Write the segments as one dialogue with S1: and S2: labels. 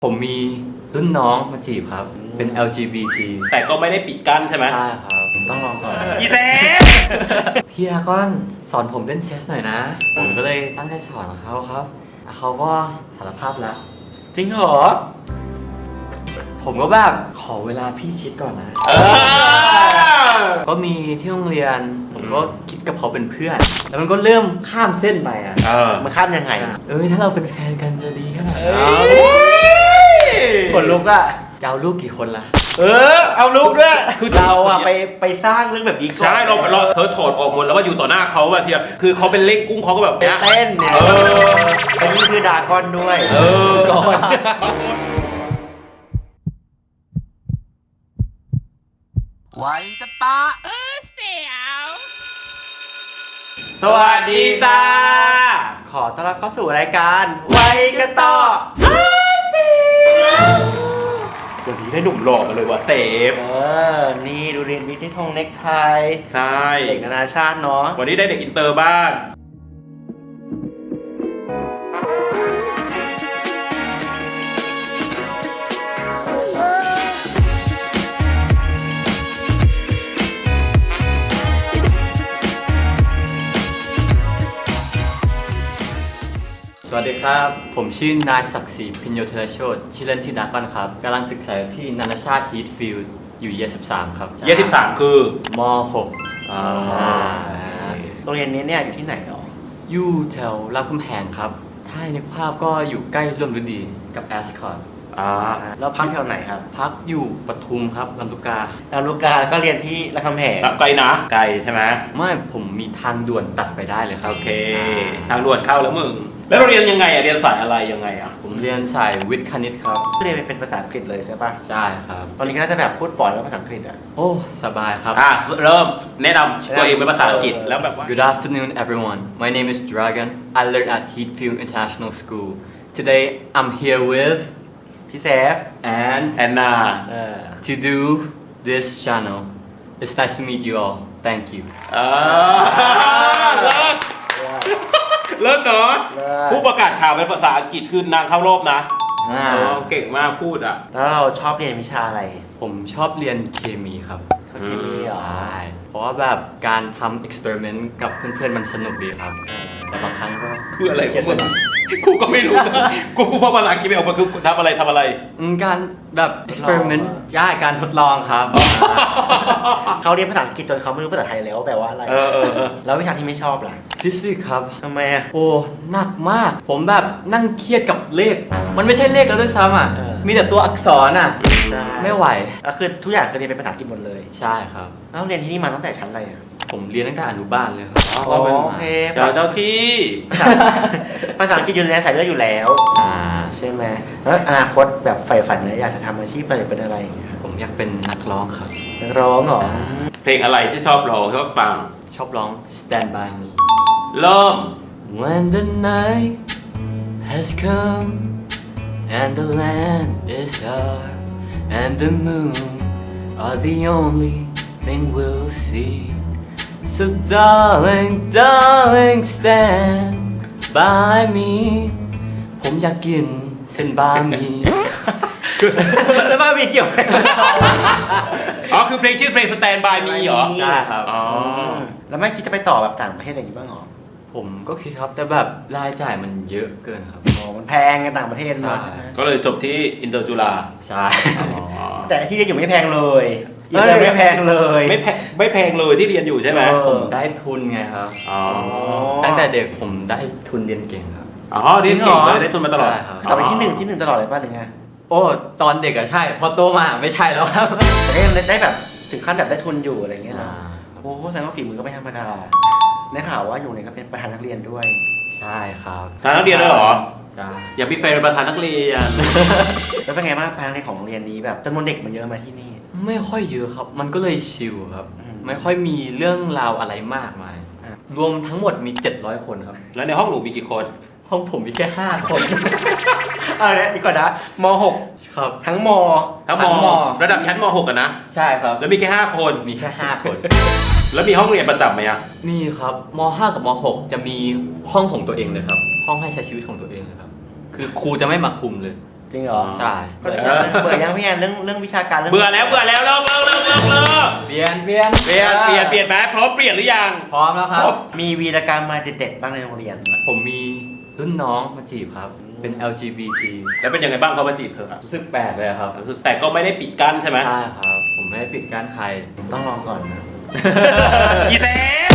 S1: ผมมีรุ่นน้องมาจีบครับ เป็น LGBT
S2: แต่ก็ไม่ได้ปิดกั้นใช่ไหม
S1: ใช่ครับผมต้องลองก่อน
S2: อีเซฟ
S1: พี่ดราก้อนสอนผมเล่นเชสหน่อยนะ ผมก็เลยตั้งใจสอนเขาครับเขาก็สารภาพแล้ว
S2: จริงเหรอ
S1: ผมก็แบบขอเวลาพี่คิดก่อนนะ ก็มีที่โรงเรียน ผมก็คิดกับเขาเป็นเพื่อน แล้วมันก็เริ่มข้ามเส้นไปอ่ะ
S2: มันข้ามยังไง
S1: ถ้าเราเป็นแฟนกันจะดีขนาดไหน
S3: ขนลุกอะ
S1: จะเอาลูกกี่คนล่ะ
S3: เอาลูกด้วยคือเราอะไปสร้างเรื่องแบบนี้ก่อน
S2: ใช่เราเธอถอดออกหมดแล้วว่าอยู่ต่อหน้าเขาอะเทียคือเขาเป็นเล่งกุ้งเขาก็แบบ
S3: ไป
S2: เนี้ย
S3: เต้นเนี่ยอันนี้คือดราก้อนด้วย
S2: ก่อน
S1: ไว้กระตา
S3: สวัสดีจ้า ขอต้อนรับเข้าสู่รายการไว้กระต่อ
S2: วันนี้ได้หนุ่มหล่อมาเลยว่ะเซฟ
S3: นี่ดูเรียนวิทย์ที่ทงเน็กไท
S2: ใช่
S3: เด็กนานาชาติเนาะ
S2: วันนี้ได้เด็กอินเตอร์บ้าง
S1: สวัสดีครับ ผมชื่อนายศักดิ์ศรีพิญโยธนโชติชื่อเล่นชื่อดากอนครับกำลังศึกษาที่นานาชาติฮีทฟิลด์อยู่เย13ครับ
S2: เยี่ย13คือ
S1: ม6
S3: โรงเรียนนี้เนี่ยอยู่ที่ไหนหรอ
S1: อยู่แถวรามคำแหงครับ ถ้าในกภาพก็อยู่ใกล้ร่วมฤดีกับแอสคอต
S3: แล้วพักแถวไหนครับ
S1: พักอยู่ปทุมครับลำลูกกา
S3: ลำลูกกาก็เรียนที่รามคำแหง
S2: ไกลนะไกลใช่ไหม
S1: ไม่ผมมีทางด่วนตัดไปได้เลยครับ
S2: โอเค ทางด่วนเข้าแล้วมึง แล้วเราเรียนยังไงอะเรียนสายอะไรยังไงอะ
S1: ผมเรียนสายวิทย์คณิตครับ
S3: เรียนเป็นภาษาอังกฤษเลยใช่ปะ
S1: ใช่ครับ
S3: ตอนนี้ก็น่าจะแบบพูดปล่อยแล้วภาษาอังกฤษอะ
S1: โอ้สบายครับ
S2: เริ่มแนะนำตัวเองเป็นภาษาอังกฤษแล้วแบบว่า
S1: Good afternoon, everyone. My name is Dragon. I learn at Heathfield International School. Today, I'm here with
S3: พี่เซฟ
S1: and
S2: แอนนา
S1: to do this channel. It's nice to meet you all. Thank you.
S2: เลิศเนาะ
S3: เลิศ
S2: ผู้ประกาศข่าวเป็นภาษาอังกฤษคือนางเข้ารอบนะ เก่งมากพูดอ่ะ
S3: แล้วเราชอบเรียนวิชาอะไร
S1: ผมชอบเรียนเคมีครับ
S3: ชอบเคมีเหรอ
S1: ใช่เพราะว่าแบบการทำ experiment กับเพื่อนๆมันสนุกดีครับ แต่บางครั้งก็
S2: คืออะไรของมึงกูก็ไม่รู้ กูฟังภาษาอังกฤษไม่ออกมาคือทำอะไร
S1: การแบบ experiment ใช่การทดลองครับ
S3: เขาเรียนภาษาอังกฤษจนเขาไม่รู้ภาษาไทยแล้วแปลว่าอะไร แล้ววิชาที่ไม่ชอบล่ะ
S1: ฟิสิกส์ครับ
S3: ทำไมอะ
S1: โอ้หนักมาก ผมแบบนั่งเครียดกับเลข มันไม่ใช่เลขแล้วด้วยซ้ำอ่ะ มีแต่ตัวอักษรอ่ะ
S3: ใช่
S1: ไม่ไหว
S3: ก็คือทุกอย่างคือเรียนเป็นภาษาอังกฤษหมดเลย
S1: ใช่ครับ
S3: แล้วเรียนที่นี่มาตั้งแต่ชั้นอะไรอะ
S1: ผมเรียนตั้งแต่อนุบาลเลยครับ
S3: อ๋อโอเค
S2: เจ้าที่
S3: ภาษาอังกฤษอยู่ในสายเลือดอยู่แล้ว
S1: อ่า
S3: ใช่ไหมแล้วอนาคตแบบใฝ่ฝันเนี่ยอยากจะทำอาชีพอะไรเป็นอะไรอย่างเงี้ย
S1: ผมอยากเป็นนักร้องครับ
S3: นักร้องเหรอ
S2: เพลงอะไรที่ชอบร้องชอบฟัง
S1: ชอบร้อง Stand by me
S2: เริ่ม
S1: When the night has come and the land is dark and the moon are the only thing we'll see So darling, darling, stand by me ผมอยากกินเส้นบะหมี่
S3: แล้วบ้ามีเกี่ยวไหม
S2: อ๋อคือเพลงชื่อเพลง Stand by Me เหรอ
S1: ใช่ครับ
S2: อ๋อ
S3: แล้วไม่คิดจะไปต่อแบบต่างประเทศอะไรอย่างงี้บ้างเหรอ
S1: ผมก็คิดครับแต่แบบรายจ่ายมันเยอะเกินครับ
S3: อ๋อมันแพงกันต่างประเทศเนาะ
S1: ใช่
S2: ก็เลยจบที่อินเตอร์จุฬา
S1: ใช่
S3: แต่ที่เรียนอยู่ไม่แพงเลยอินเตอร์ไม่แพงเลย
S2: ไม่แพงเลยที่เรียนอยู่ใช่ไหม
S1: ผมได้ทุนไงครับ
S2: อ๋อ
S1: ตั้งแต่เด็กผมได้ทุนเรียนเก่งครับ
S2: อ๋อเรียนเก่งเลยได้ทุนมาตลอด
S1: ใช่ครับ
S3: สอบไปที่หนึ่งตลอดเลยป่ะหรือไง
S1: โอ้ตอนเด็กอะใช่ พอโตมาไม่ใช่แล้วครับ
S3: แต่ก็ยังได้แบบถึงขั้นแบบได้ทุนอยู่อะไรเงี้ย
S1: อ่า
S3: นะโอ้แสดงว่าฝีมือก็ไม่ธรรมดาได้ข่าวว่าอยู่เนี่ยก็เป็นประธานนักเรียนด้วย
S1: ใช่ครับ
S2: ทางนักเรียนด้วยเหรอ
S1: ใช่
S2: อย่าพี่เฟย์เป็นประธานนักเรียน
S3: แล้วเป็นไงบ้างประธานนักเรียนของโรงเรียนนี้แบบจำนวนเด็กมันเยอะมาที่นี่
S1: ไม่ค่อยเยอะครับ มันก็เลยชิลครับ
S3: อืม
S1: ไม่ค่อยมีเรื่องราวอะไรมากมาย
S3: อ่ะ
S1: รวมทั้งหมดมี 700 คนครับ
S2: แล้วในห้องหนูมีกี่คน
S1: ห้องผมมีแค่ 5 คน
S3: เนี่ยดีกว่านะม
S1: ครับ
S3: .6 ทั้งม
S2: ทั้ง
S1: ทั้งม
S2: ระดับชั้นม .6 กันนะ
S1: ใช่ครับ
S2: แล้วมีแค่5คน
S1: มีแค่ 5 คน
S2: แล้วมีห้องเรียนประจำไหมอะ
S1: มีครับม .5 กับม .6 จะมีห้องของตัวเองเลยครับ ห้องให้ใช้ชีวิตของตัวเองเลยครับ คือครูจะไม่มาคุมเลย
S3: จริงเหรอ
S1: ใช่
S3: เบื่อยังพี่แอนเรื่องวิชาการเรื่อง
S2: เบื่อแล้วเลิก
S1: เปลี่ยนเปลี่ยน
S2: เปลี่ยนไหมพร้อมเปลี่ยนหรือยัง
S1: พร้อมแล้วครับ
S3: มีวีรกรรมมาเด็ดๆบ้างในโรงเรียน
S1: ผมมีรุ่นน้องมาจีบครับ เป็น LGBT
S2: แล้วเป็นยังไงบ้างเขามาจีบเธอ
S1: รู้สึกแปลกเลยครับ
S2: คือแต่ก็ไม่ได้ปิดกั้นใช่ไหม
S1: ใช่ครับ ผมไม่ได้ปิดกั้นใคร
S3: ผมต้องลองก่อนนะ
S2: อีเซฟ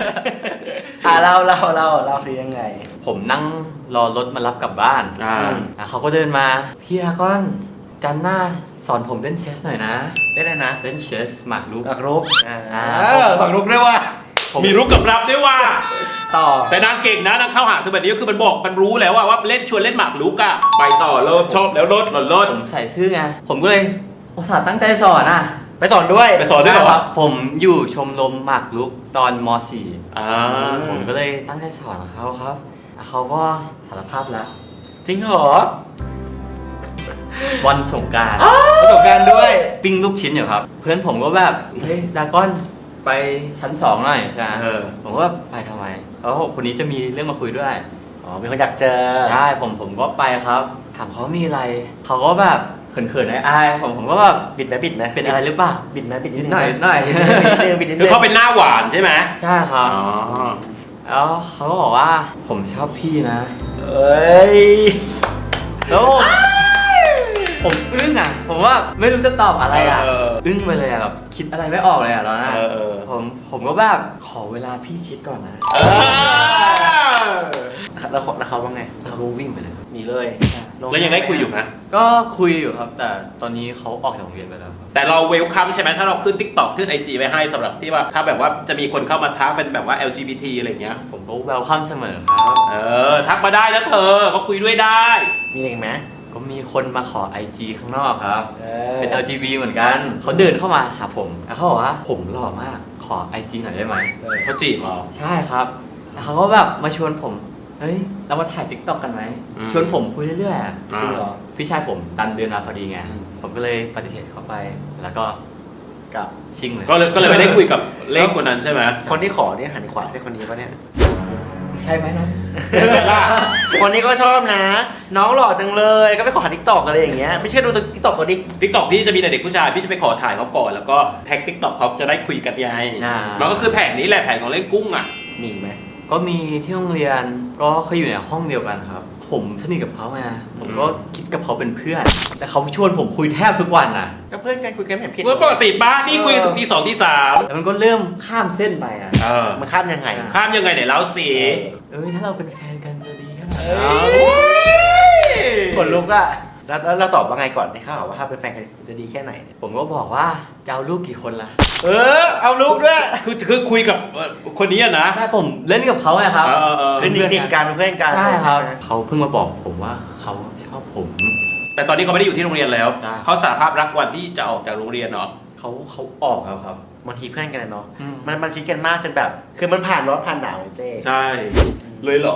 S3: เราสิยังไง
S1: ผมนั่งรอรถมารับกลับบ้าน เขาก็เดินมาพี่ดราก้อนจันหน้าสอนผมเล่นเชสหน่อยนะ
S3: ได้เลยนะ
S1: เล่นเชสหมากรุก
S3: หมากรุกหมากรุกด้วยว่า
S2: มีรุกกับรับด้วยว่า
S3: ต่อ
S2: แต่นางเก่งนะนางเข้าหาเธอแบบนี้ก็คือมันบอกมันรู้แล้วว่าเล่นชวนเล่นหมากรุกอะไปต่อเริ่มชอบแล้วลด
S1: ผมใส่ซื่อไง ผมก็เลยอุตส่าห์ตั้งใจสอนอ่ะ
S3: ไปสอนด้วย
S2: ไปสอนด้วยเหรอ
S1: ครับผมอยู่ชมรมหมากรุกตอนม .4 ผมก็เลยตั้งใจสอนเขาครับเขาก็สารภาพแล้ว
S3: จริงเหรอ
S1: วันสงกรานต์
S3: ประสบการณ์ด้วย
S1: ปิ้งลูกชิ้นอยู่ครับ เพื่อนผมก็แบบเฮ้ยดราก้อนไปชั้น 2หน่อยใช่ไหมผมก็แบบไปทำไมแล้วคนนี้จะมีเรื่องมาคุยด้วย
S3: อ๋อมีคนอยากเจอ
S1: ใช่ผมก็ไปครับ ถามเขามีอะไรเขาก็แบบเขินๆอายๆผมก็แบบ
S3: บิดไหม
S1: เป็นอะไรหรือเปล่า
S3: บิดไหม
S1: นิดหน่อยนิดหน่อย
S3: บิดนิด
S2: คือเขาเป็นหน้าหวานใช่ไหม
S1: ใช่ครับแล้วเขาก็บอกว่าผมชอบพี่นะ
S3: เอ้ย
S1: แล้วผมอึ้งอ่ะ ผมว่าไม่รู้จะตอบอะไรอ่ะอึ้งไปเลยอ่ะแบบคิดอะไรไม่ออกเลยอ่ะตอนนั้นผมก็แบบขอเวลาพี่คิดก่อนนะ
S3: แล้วเขาว่าไง
S1: เขาก็วิ่งไปเลย
S3: หนีเลย
S2: แล้วยังได้คุยอยู่ไหม
S1: ก็คุยอยู่ครับ แต่ตอนนี้เขาออกจากโรงเรียนไปแล้วครับ
S2: แต่เราเวลคัมใช่ไหมถ้าเราขึ้น TikTok ขึ้น IG ไว้ให้สำหรับที่ว่าถ้าแบบว่าจะมีคนเข้ามาทักเป็นแบบว่า LGBT อะไรเงี้ย
S1: ผมก็เวลคัมเสมอครับ
S2: ทักมาได้นะเธอเขาคุยด้วยได้
S3: มีอะไรอีกไหม
S1: ก็มีคนมาขอ IG ข้างนอกครับ เป็น LGBT เหมือนกันเขาเดินเข้ามาหาผมแล้วเขาบอกว่าผมหล่อมากขอ IG หน่อยได้ไหม
S2: เขาจีบเหรอ
S1: ใช่ครับแล้วเขาก็แบบมาชวนผมเฮ้ยเรามาถ่าย TikTok กันไหมชวนผมคุยเรื่อยๆอะ
S3: จริงเหรอ
S1: พี่ชายผมดันเดินมาพอดีไงผมก็เลยปฏิเสธเขาไปแล้วก็กลับชิ่งเลย
S2: ก็เลยไม่ได้คุยกับเลขคนนั้นใช่ไหม
S3: คนที่ขอเนี่ยหันขวาใช่คนนี้ปะเนี่ย
S1: ใช่ไหมนะ
S3: คนนี้ก็ชอบนะ น้องหล่อจังเลยก็ไปขอทิกตอกอะไรอย่างเงี้ยไม่เชื่อดูทิกตอกเขาดิ
S2: TikTok พี่จะมีแต่เด็กผู้ชายพี่จะไปขอถ่ายเขาก่อนแล้วก็แท็ก TikTok เขาจะได้คุยกันไงมันก็คือแผนนี้แหละแผนของเล่นกุ้งอ่ะ
S3: มีอีกไหม
S1: ก็มีที่โรงเรียนก็เคยอยู่ในห้องเดียวกันครับ ผมสนิทกับเขาไงผมก็คิดกับเขาเป็นเพื่อน แต่เขาชวนผมคุยแทบทุกวันน่ะ
S3: ก็เพื่อนกันคุยกันแบบผิด
S2: เมื่อปกติป้านี่คุยถึงที่ 2 ที่ 3
S1: แต่มันก็เริ่มข้ามเส้นไปอ่ะ
S3: มันข้ามยังไง
S2: ข้ามยังไงเนี่ยเล่าสิ
S1: ถ้าเราเป็นแฟนกันจะดีขนาด
S3: เอ้
S1: นั้น
S3: ขนลุกอะแล้วเราตอบว่าไงก่อนที่เขาบอกว่าถ้าเป็นแฟนกันจะดีแค่ไหน
S1: ผมก็บอกว่าจะเอาลูกกี่คนล่ะ
S3: เอาลูกด้วย
S2: คือคุยกับคนนี้อะนะ
S1: ใช่ผมเล่นกับเขาไงครับ
S3: เป็นเด็กกันเป็นเพื่อนกัน
S1: ใช่ครับ
S3: ไหม
S1: เขาเพิ่งมาบอกผมว่าเขาชอบผม
S2: แต่ตอนนี้เขาไม่ได้อยู่ที่โรงเรียนแล้ว
S1: ใช่
S2: เขาสารภาพรักวันที่จะออกจากโรงเรียนเนาะ
S1: เขาออกแล้วครับ
S3: บางทีเพื่อนกันเนาะ
S1: อืม
S3: มันชิดกันมากจนแบบ คือมันผ่านร้อนผ่านหนาวเจ๊
S2: ใช่เลยเหรอ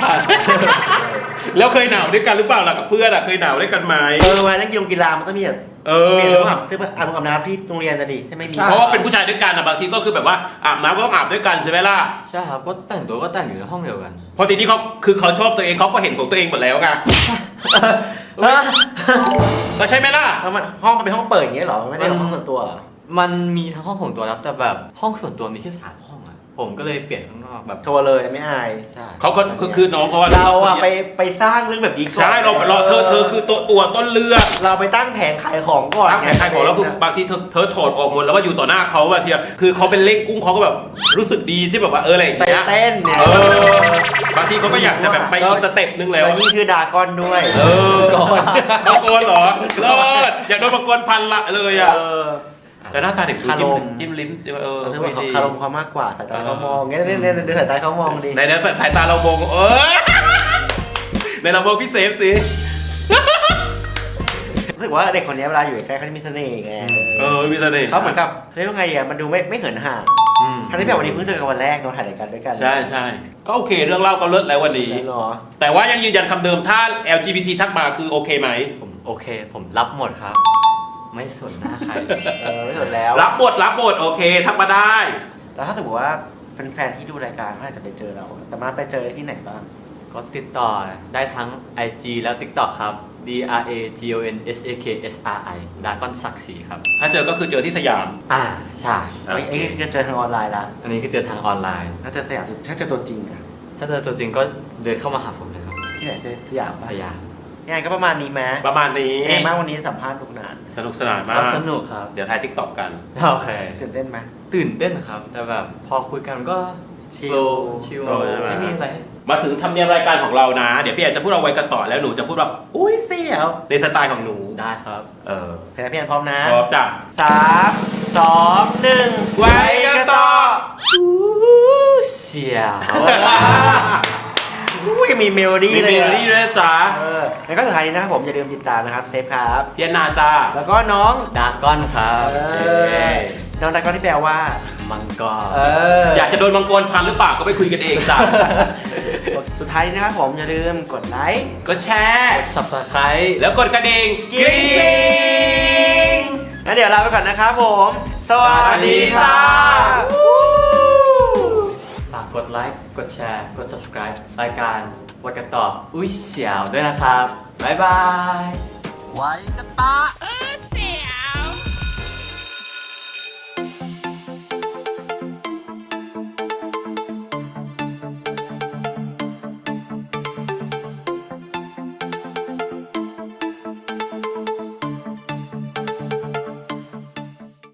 S2: แล้วเคยหนาวด้วยกันหรือเปล่าล่ะกับเพื่อนอะเคยหนาวด้วยกันไหม
S3: วันเล่นกีฬามันต้องมีแบบมีเรื่องอาบซึ่งอาบน้ำที่โรงเรียนจะดีใช่ไหมมี
S2: เพราะว่าเป็นผู้ชายด้วยกันอะบางทีก็คือแบบว่าอาบน้ำก็ต้องอาบด้วยกันใช่ไหมล่ะ
S1: ใช่ครับก็แต่งตัวก็แต่งอยู่ในห้องเดียวกัน
S2: เพราะทีนี้เขาชอบตัวเองเขาก็เห็นของตัวเองหมดแล้วไงก็ใช่ไหมล่ะ
S3: แล้วมันห้องมันเป็นห้องเปิดอย่างเงี้ยเหรอมันไม่ได้ห้องส่วนตัวเหรอ
S1: มันมีทั้งห้องของตัวครับแต่แบบห้องส่วนตัวมีแค่3 ห้องอ่ะผมก็เลยเปลี่ยนข้างนอกแบบ
S3: โทรเลยไม่อาย
S1: ใช่
S2: เขาคือน้องเขาว่า
S3: เราอะไปสร้างเรื่องแบบนี้ก่อน
S2: ใช่เราเธอคือตัวต้นเรื่อง
S3: เราไปตั้งแผงขายของก่อน
S2: ตั้งแผงขายของแล้วคือบางทีเธอถอดออกหมดแล้วว่าอยู่ต่อหน้าเขาบางทีคือเขาเป็นเล่งกุ้งเขาก็แบบรู้สึกดีที่แบบว่าอะไรอย่าง
S3: ใจ
S2: เงี้ย
S3: เต้นเนี่ย
S2: บางทีเขาก็อยากจะแบบไปอีกสเต็ปนึงแล้ว
S3: แล้วยิ่งชื่อดากอนด้วย
S2: ก่อนบางคนเหรอเลิศอยากโดนบางคนพันละเลยอ่ะแต่หน้าตาเด็กดูจิ้มลิ้น
S3: คือว่าเขาคารมเขามากกว่าสายตาเขามองเงี้ยเนี่ยดูสายตาเขามองดิ
S2: ในสายตาเรามองในเรามองพี่เซฟสิ
S3: รู้สึกว่าเด็กคนนี้เวลาอยู่ใกล้เขาจะมีเสน่ห์ไง
S2: มีเสน่ห์
S3: เขาเหมือนกับเรียกว่าไงอ่ะมันดูไม่เหินห่างทั้งที่แบบวันนี้เพิ่งเจอกันวันแรกเราถ่ายรายการด้วยกัน
S2: ใช่ก็โอเคเรื่องเล่าก็เลิศแล้ววันนี้
S3: เนาะ
S2: แต่ว่ายังยืนยันคำเดิมถ้า LGBT ทักมาคือโอเคไหม
S1: ผมโอเค ผมรับหมดครับ ไม่สนหน้าใคร
S3: ไม่สนแล้ว
S2: รับบทโอเคทักมาได้
S3: แล้วถ้าสมมติว่าแฟนๆที่ดูรายการเขาอาจจะไปเจอเราแต่มาไปเจอที่ไหนบ้าง
S1: ก็ติดต่อได้ทั้ง IG แล้ว TikTok ครับ DRAGONSAKSRI ดากอนศักดิ์ศรีครับ
S2: ถ้าเจอก็คือเจอที่สยาม
S1: ใช่
S3: ไอ้จะเจอทางออนไลน์ละ
S1: อันนี้คือเจอทางออนไลน์
S3: ถ้าเจอสยามถ้าเจอตัวจริงอะ
S1: ถ้าเจอตัวจริงก็เดินเข้ามาหาผมเลยครับ
S3: ที่ไหนเจอสยามปะ
S1: พยา
S3: งานก็ประมาณนี้ไหม
S2: ประมาณนี้
S3: เป็นไงบ้างวันนี้สัมภาษณ์ทุกนาน
S2: สนุกสนานมาก
S1: ก็สนุกครับ
S2: เดี๋ยวถ่ายทิกตอกกัน
S1: โอเค
S3: ตื่นเต้นไหม
S1: ตื่นเต้นครับ แต่แบบพอคุยกันก็
S3: ชิล
S1: ชิล
S2: flow ใช่ไหม
S1: ไม่มีอะไร
S2: มาถึงทำเนียมรายการของเรานะ เดี๋ยวพี่แอนจะพูดเอาไว้กันต่อแล้วหนูจะพูดแบบอุ้ยเสียวในสไตล์ของหนู
S1: ได้ครับ
S3: เพลงพี่แอนพร้อมนะ
S2: พร้อมจ้ะ
S3: 3 2 1
S2: ไว้กันต่อ
S1: เสียว
S3: อุ้ยมีเมโลดี้
S2: มี
S3: เล
S2: เม
S3: ย
S2: โลดี้ด้วยนะจ๊ะ
S3: แล้วก็สุดท้ายนี้นะครับผมอย่าลืมติดตามนะครับเซฟครับ
S2: พี่แอนนาจ้า
S3: แล้วก็น้อง
S1: ดากอนครับ
S3: น้องดักก็ที่แปลว่า
S1: มังกร
S2: อยากจะโดนมังกรพันหรือเปล่าก็ไปคุยกันเองจ้ะ
S3: สุดท้ายนี้นะครับผมอย่าลืมกดไลค์
S2: ก็แชร์
S1: Subscribe
S2: แล้วกดกระดิ่ง
S3: กริ๊งงั้นเดี๋ยวลาไปก่อนนะครับผม สวัสดีครับ
S1: ฝากกดไลค์ กดแชร์ กด subscribe รายการวัดกันต่ออุ้ยเสียวด้วยนะครับ บ๊ายบาย
S3: ไว้กันตา